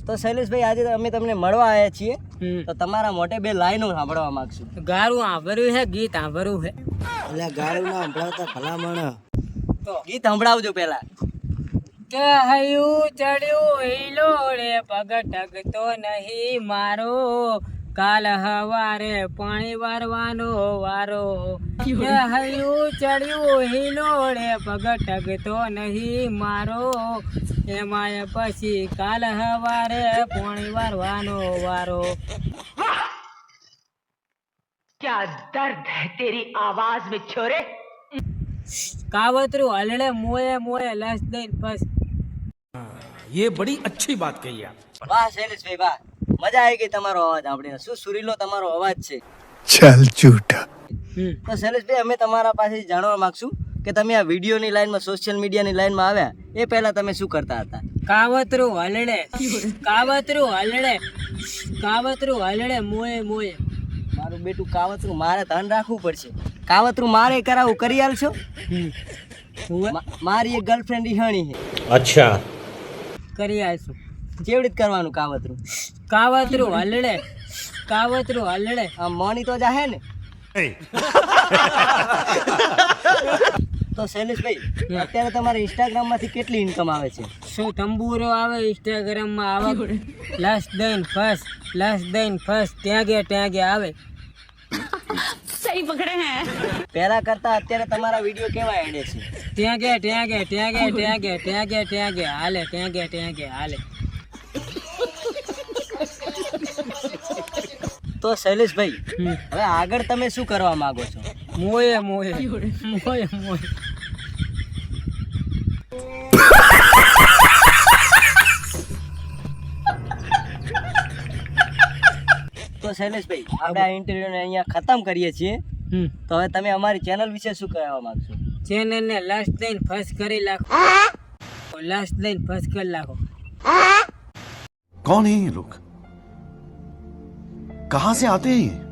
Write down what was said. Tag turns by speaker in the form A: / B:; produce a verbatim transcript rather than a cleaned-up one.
A: તો શૈલેષભાઈ આજે અમે તમને મળવા આવ્યા છીએ તો તમારા મોઢે બે લાઈનો સાંભળવા માંગશું.
B: ગારું સાંભળ્યું છે, ગીત સાંભળવું છે.
A: એટલે ગાળું ના સંભળાવતા ભલામણ તો ગીત સંભળાવજો પેલા.
B: કે હયું ચડ્યું હિલોડે પગ ટકતો નહીં મારો, કાલ હવારે પાણી વારવાનો વારો. કે હયું ચડ્યું હિલોડે પગ ટકતો નહીં મારો, એમાંય પછી કાલ હવારે પાણી વારવાનો વારો.
C: क्या दर्द है तेरी आवाज में छोरे.
B: કાવતરું હલડે મોએ મોએ લસ દઈને બસ.
D: ये बड़ी अच्छी बात कही आप.
A: વાહ શૈલેષભાઈ વાહ, મજા આવી ગઈ તમારો અવાજ સાંભળીને. શું સુરીલો તમારો અવાજ છે.
E: चल झूठा.
A: તો શૈલેષભાઈ અમે તમારા પાસેથી જાણવા માંગશું કે તમે આ વિડીયોની લાઈનમાં, સોશિયલ મીડિયાની લાઈનમાં આવ્યા એ પહેલા તમે શું કરતા હતા.
B: કાવતરું હલડે કાવતરું હલડે કાવતરું હલડે મોએ મોએ.
A: મારું બેટું કાવતરું મારે ધ્યાન રાખવું પડશે. કાવતરું મારે કરાવું, કરી આલશો? મા- મારી એક ગર્લફ્રેન્ડ રિહાણી છે.
D: अच्छा.
B: કરી આવીશું.
A: કેવી રીતે કરવાનું કાવતરું?
B: કાવતરું હલડે કાવતરું હલડે.
A: આમ મોની તો જાહે ને. તો શૈલેષભાઈ અત્યારે તમારે ઇન્સ્ટાગ્રામ માંથી કેટલી ઇન્કમ આવે છે?
B: શું તંબુરો આવે ઇન્સ્ટાગ્રામમાં આવે, લસ દઈને ફસ લસ દઈને ફસ ત્યાંગે ત્યાંગે આવે.
A: પહેલા કરતા અત્યારે તમારા વિડીયો કેવા એડે છે?
B: ત્યાંગે ત્યાંગે ત્યાંગે ત્યાંગે ત્યાંગે ત્યાંગે હાલે ત્યાંગે ત્યાંગે હાલે.
A: તો શૈલેષભાઈ
B: હમ.
A: હવે આગળ તમે શું કરવા માંગો છો?
B: મોએ મોએ મોએ મોએ.
A: તો શૈલેષભાઈ આપણે આ ઇન્ટરવ્યુને અહીંયા ખતમ કરીએ છીએ.
B: હમ.
A: તો હવે તમે અમારી ચેનલ વિશે શું કહેવા માંગશો?
B: ચેનલને લસ દઈને ફસ કરી નાખો, લસ દઈને ફસ કરી નાખો.
E: कौन है ये लोग? कहां से आते हैं ये?